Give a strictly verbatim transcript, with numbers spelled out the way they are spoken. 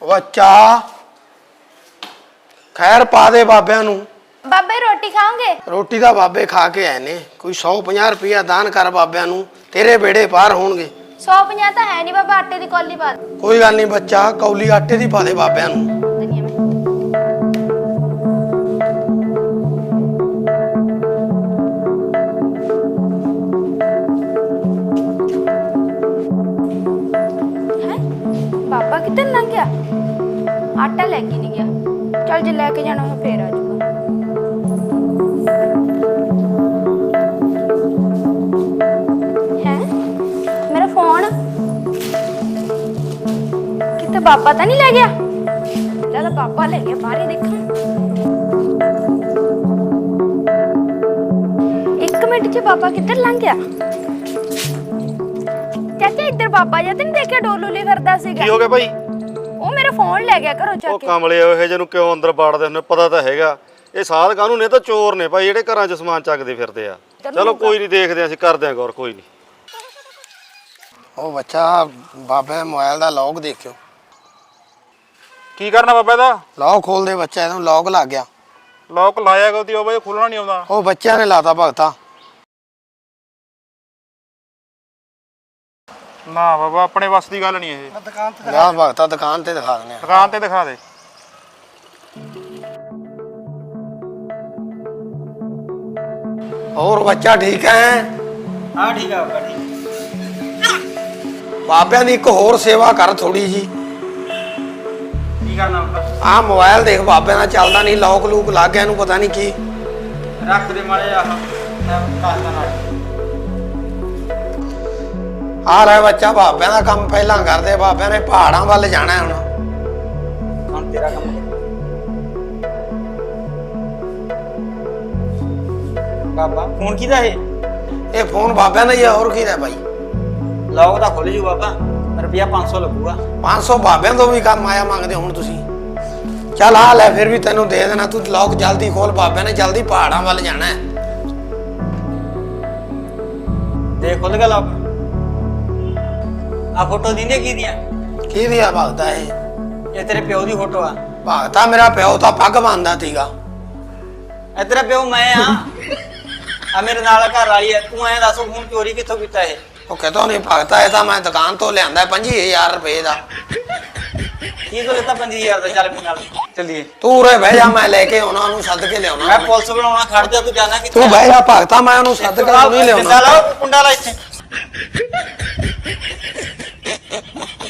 बच्चा खैर पा दे बाबिया नू। बाबे रोटी खाओगे? रोटी तो बाबे खा के आए ने। कोई सौ पंजा रुपया दान कर बाबिया नू, तेरे बेड़े पार होणगे। सौ पंजा तो है नहीं बाबा, आटे की कौली पा दे। कोई गल नहीं बच्चा, कौली आटे दी पा दे बाबिया नू। बाबा किधर लंघ गया? आटा लेके नहीं गया। चल जे लेके जाना है फिर आ जाऊगा। है मेरा फोन कितने बाबा तो नहीं ले गया? चल बाबा ले गया, बाहर ही देखा। एक मिनट च बाबा किधर लंघ गया? चाचा इधर बाबा जी नहीं देखा डोलूली करदा सीगा। की हो गया भाई? ਉਹ ਮੇਰਾ ਫੋਨ ਲੈ ਗਿਆ ਘਰੋਂ ਚੱਕ ਉਹ ਕੇ। ਕਮਲੇ ਇਹ ਜਿਹਨੂੰ ਕਿਉਂ ਅੰਦਰ ਬਾੜਦੇ ਹੁੰਦੇ, ਪਤਾ ਤਾਂ ਹੈਗਾ ਇਹ ਸਾਧ ਕਾਹਨੂੰ ਨੇ, ਤਾਂ ਚੋਰ ਨੇ ਭਾਈ ਜਿਹੜੇ ਘਰਾਂ 'ਚ ਸਮਾਨ ਚੱਕਦੇ ਫਿਰਦੇ ਆ। ਚਲੋ ਕੋਈ ਨਹੀਂ, ਦੇਖਦੇ ਅਸੀਂ, ਕਰਦੇ ਆਂ ਗੌਰ, ਕੋਈ ਨਹੀਂ। ਉਹ ਬੱਚਾ ਬਾਬੇ ਮੋਬਾਈਲ ਦਾ ਲੌਕ ਦੇਖਿਓ। ਕੀ ਕਰਨਾ ਬਾਬਾ ਦਾ? ਲੌਕ ਖੋਲ ਦੇ ਬੱਚਾ, ਇਹਨੂੰ ਲੌਕ ਲੱਗ ਗਿਆ। ਲੋਕ ਲਾਇਆ ਗੋਦੀ ਉਹ ਬਈ ਖੁੱਲਣਾ ਨਹੀਂ ਆਉਂਦਾ। ਉਹ ਬੱਚਿਆਂ ਨੇ ਲਾਤਾ ਭਗਤਾ। ਨਾ ਬਾਬਾ ਆਪਣੇ ਵੱਸ ਦੀ ਗੱਲ ਨਹੀਂ ਇਹ। ਦੁਕਾਨ ਤੇ ਦਿਖਾ ਭਗਤਾ, ਦੁਕਾਨ ਤੇ ਦਿਖਾ ਦਿੰਦੇ ਆ। ਦੁਕਾਨ ਤੇ ਦਿਖਾ ਦੇ। ਹੋਰ ਬੱਚਾ ਠੀਕ ਹੈ? ਹਾਂ ਠੀਕ ਆ ਬਾਬਾ, ਠੀਕ। ਬਾਬਿਆਂ ਦੀ ਇੱਕ ਹੋਰ ਸੇਵਾ ਕਰ ਥੋੜੀ ਜੀ। ਕੀ ਕਰਨਾ ਬਾਬਾ? ਆਹ ਮੋਬਾਈਲ ਦੇਖ ਬਾਬਿਆਂ ਦਾ ਚੱਲਦਾ ਨਹੀਂ, ਲੌਕ ਲੂਕ ਲੱਗ ਗਿਆ, ਇਹਨੂੰ ਪਤਾ ਨਹੀਂ ਕੀ। ਰੱਖ ਦੇ ਮਾੜੇ ਆਹ ਮੈਂ ਦੱਸਦਾ ਨਾਲ। ਆ ਲੈ ਬੱਚਾ, ਬਾਬਿਆਂ ਦਾ ਕੰਮ ਪਹਿਲਾਂ ਕਰਦੇ। ਬਾਬਿਆਂ ਨੇ ਪਹਾੜਾਂ ਵੱਲ ਜਾਣਾ ਹੁਣ। ਹੁਣ ਤੇਰਾ ਕੰਮ ਬਾਬਾ। ਫੋਨ ਕਿਹਦਾ ਇਹ? ਇਹ ਫੋਨ ਬਾਬਿਆਂ ਦਾ ਹੀ ਆ, ਹੋਰ ਕਿਹਦਾ ਭਾਈ? ਲੌਕ ਤਾਂ ਖੁੱਲ ਜੂ ਬਾਬਾ, ਰੁਪਿਆ ਪੰਜ ਸੌ ਲੱਗੂਗਾ। ਪੰਜ ਸੌ ਬਾਬਿਆਂ ਤੋਂ ਵੀ ਕੰਮ ਆਇਆ ਮੰਗਦੇ ਹੁਣ ਤੁਸੀਂ। ਚੱਲ ਆ ਲੈ, ਫਿਰ ਵੀ ਤੈਨੂੰ ਦੇ ਦੇਣਾ। ਤੂੰ ਲੌਕ ਜਲਦੀ ਖੋਲ, ਬਾਬਿਆਂ ਨੇ ਜਲਦੀ ਪਹਾੜਾਂ ਵੱਲ ਜਾਣਾ ਹੈ। ਦੇ ਖੁੱਲ ਗਿਆ ਲੌਕ। ਆ ਫੋਟੋ ਦਿੰਦੇ ਕੀ ਦੀਆਂ? ਕੀ ਦੀ ਆ ਭਗਤਾ ਇਹ? ਇਹ ਤੇਰੇ ਪਿਓ ਦੀ ਫੋਟੋ ਆ। ਭਗਤਾ ਮੇਰਾ ਪਿਓ ਤਾਂ ਪੱਗ ਬੰਨਦਾ ਸੀਗਾ। ਇਹ ਤੇਰਾ ਪਿਓ ਮੈਂ ਆ। ਆ ਮੇਰੇ ਨਾਲ ਘਰ ਵਾਲੀ ਐ। ਤੂੰ ਐਂ ਦੱਸ ਫੋਨ ਚੋਰੀ ਕਿੱਥੋਂ ਕੀਤਾ ਇਹ? ਉਹ ਕਹਿੰਦਾ ਨਹੀਂ ਭਗਤਾ, ਇਹ ਤਾਂ ਮੈਂ ਦੁਕਾਨ ਤੋਂ ਲਿਆਂਦਾ ਪੰਜੀ ਹਜ਼ਾਰ ਰੁਪਏ ਦਾ। ਕੀ ਤੋਂ ਲਿੱਤਾ ਪੰਜੀ ਹਜ਼ਾਰ ਦਾ? ਚੱਲ ਮੇਰੇ ਨਾਲ ਚੱਲੀਏ। ਤੂੰ ਉਰੇ ਬਹਿ ਜਾ, ਮੈਂ ਲੈ ਕੇ ਆਉਣਾ, ਉਹਨੂੰ ਸੱਦ ਕੇ ਲਿਆਉਣਾ। ਮੈਂ ਪੁਲਿਸ ਬਣਾਉਣਾ, ਖੜ ਜਾ। ਤੂੰ ਜਾਣਾ ਕਿੱਥੇ? ਤੂੰ ਬਹਿ ਜਾ ਭਗਤਾ, ਮੈਂ ਉਹਨੂੰ ਸੱਦ ਕੇ ਨਹੀਂ ਲਿਆਉਣਾ। ਕੁੰਡਾ ਲਾ, ਕੁੰਡਾ ਲਾ ਇੱਥੇ।